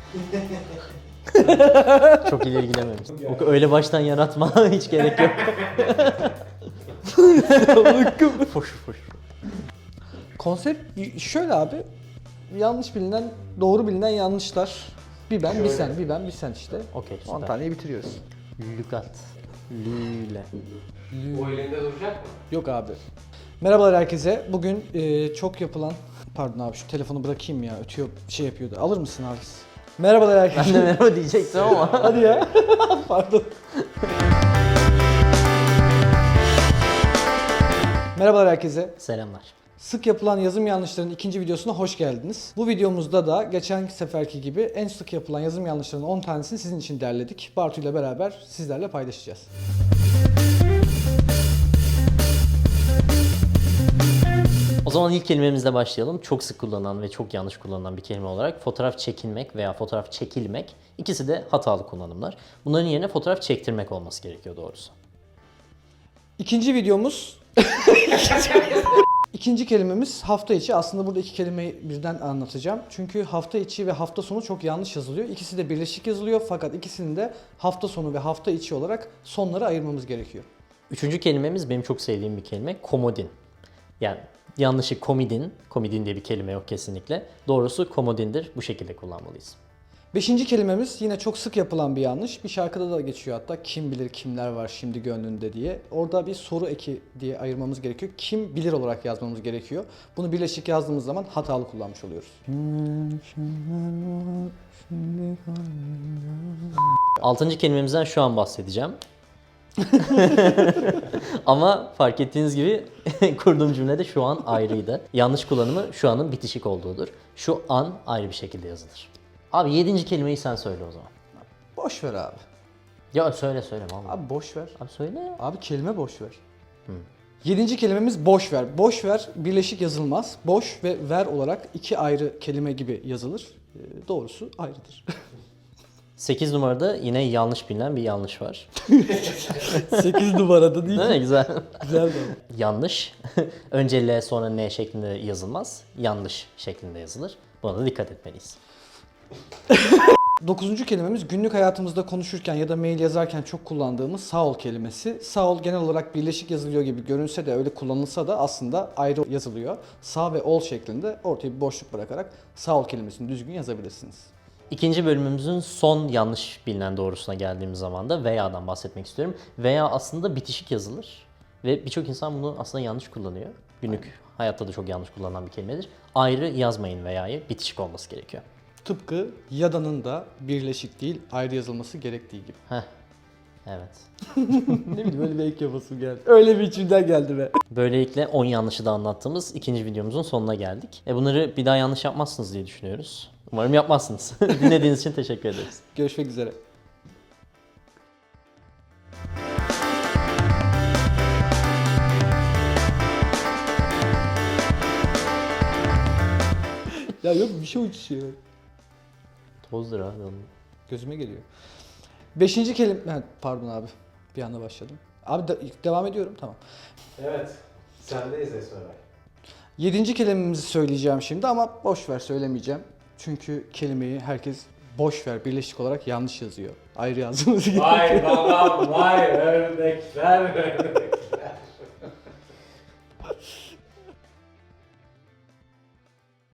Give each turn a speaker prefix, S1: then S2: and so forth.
S1: Çok ileri gidememiş. Öyle baştan yaratma hiç gerek yok. Foşur foşur.
S2: Konsept şöyle abi. Yanlış bilinen, doğru bilinen yanlışlar. Bir ben, bir sen, bir ben, bir sen işte.
S1: Okey,
S2: 10
S1: süper.
S2: taneyi bitiriyoruz.
S1: Lügat. Lüle.
S3: O elinde duracak mı?
S2: Yok abi. Merhabalar herkese. Bugün çok yapılan... Pardon abi şu telefonu bırakayım ya. Ötüyor, şey yapıyordu. Alır mısın abi? Merhabalar herkese.
S1: Ben de merhaba diyecektim ama.
S2: Hadi ya. Pardon. Merhabalar herkese.
S1: Selamlar.
S2: Sık yapılan yazım yanlışlarının ikinci videosuna hoş geldiniz. Bu videomuzda da geçen seferki gibi en sık yapılan yazım yanlışlarının 10 tanesini sizin için derledik. Bartu ile beraber sizlerle paylaşacağız.
S1: O zaman ilk kelimemizle başlayalım. Çok sık kullanılan ve çok yanlış kullanılan bir kelime olarak fotoğraf çekinmek veya fotoğraf çekilmek. İkisi de hatalı kullanımlar. Bunların yerine fotoğraf çektirmek olması gerekiyor doğrusu.
S2: İkinci videomuz... İkinci kelimemiz hafta içi. Aslında burada iki kelimeyi birden anlatacağım. Çünkü hafta içi ve hafta sonu çok yanlış yazılıyor. İkisi de birleşik yazılıyor fakat ikisini de hafta sonu ve hafta içi olarak sonlara ayırmamız gerekiyor.
S1: Üçüncü kelimemiz benim çok sevdiğim bir kelime. Komodin. Yani yanlışı komidin. Komidin diye bir kelime yok kesinlikle. Doğrusu komodindir. Bu şekilde kullanmalıyız.
S2: Beşinci kelimemiz yine çok sık yapılan bir yanlış. Bir şarkıda da geçiyor hatta. Kim bilir kimler var şimdi gönlünde diye. Orada bir soru eki diye ayırmamız gerekiyor. Kim bilir olarak yazmamız gerekiyor. Bunu birleşik yazdığımız zaman hatalı kullanmış oluyoruz.
S1: Altıncı kelimemizden şu an bahsedeceğim. Ama fark ettiğiniz gibi kurduğum cümlede şu an ayrıydı. Yanlış kullanımı şu anın bitişik olduğudur. Şu an ayrı bir şekilde yazılır. Abi 7. kelimeyi sen söyle o zaman.
S2: Boş ver abi.
S1: Ya söyle vallahi.
S2: Abi boş ver.
S1: Abi söyle ya.
S2: Abi kelime boş ver. Yedinci kelimemiz boş ver. Boş ver birleşik yazılmaz. Boş ve ver olarak iki ayrı kelime gibi yazılır. Doğrusu ayrıdır.
S1: 8 numarada yine yanlış bilinen bir yanlış var.
S2: 8 numarada değil
S1: Değil mi? Güzel.
S2: Güzel de.
S1: Yanlış. Önce L sonra N şeklinde yazılmaz. Yanlış şeklinde yazılır. Buna da dikkat etmeliyiz.
S2: Dokuzuncu kelimemiz günlük hayatımızda konuşurken ya da mail yazarken çok kullandığımız sağ ol kelimesi. Sağ ol genel olarak birleşik yazılıyor gibi görünse de öyle kullanılsa da aslında ayrı yazılıyor. Sağ ve ol şeklinde ortaya bir boşluk bırakarak sağ ol kelimesini düzgün yazabilirsiniz.
S1: İkinci bölümümüzün son yanlış bilinen doğrusuna geldiğimiz zaman da veya'dan bahsetmek istiyorum. Veya aslında bitişik yazılır ve birçok insan bunu aslında yanlış kullanıyor. Günlük hayatta da çok yanlış kullanılan bir kelimedir. Ayrı yazmayın veya'yı, bitişik olması gerekiyor.
S2: Tıpkı yada'nın da birleşik değil ayrı yazılması gerektiği gibi.
S1: Heh, evet.
S2: Ne bileyim öyle bir ek yapasım geldi. Öyle bir içimden geldi be.
S1: Böylelikle 10 yanlışı da anlattığımız ikinci videomuzun sonuna geldik. Bunları bir daha yanlış yapmazsınız diye düşünüyoruz. Umarım yapmazsınız. Dinlediğiniz için teşekkür ederiz.
S2: Görüşmek üzere. Ya yok bir şey uçuşuyor.
S1: Tozdur abi onun.
S2: Gözüme geliyor. Beşinci kelime... Ha, pardon abi. Bir anda başladım. Abi devam ediyorum. Tamam.
S3: Evet. Sendeyiz Esmer Bey.
S2: Yedinci kelimemizi söyleyeceğim şimdi ama boş ver söylemeyeceğim. Çünkü kelimeyi herkes boş ver birleşik olarak yanlış yazıyor. Ayrı yazdığımız gibi.
S3: Vay babam vay ördekler ördekler.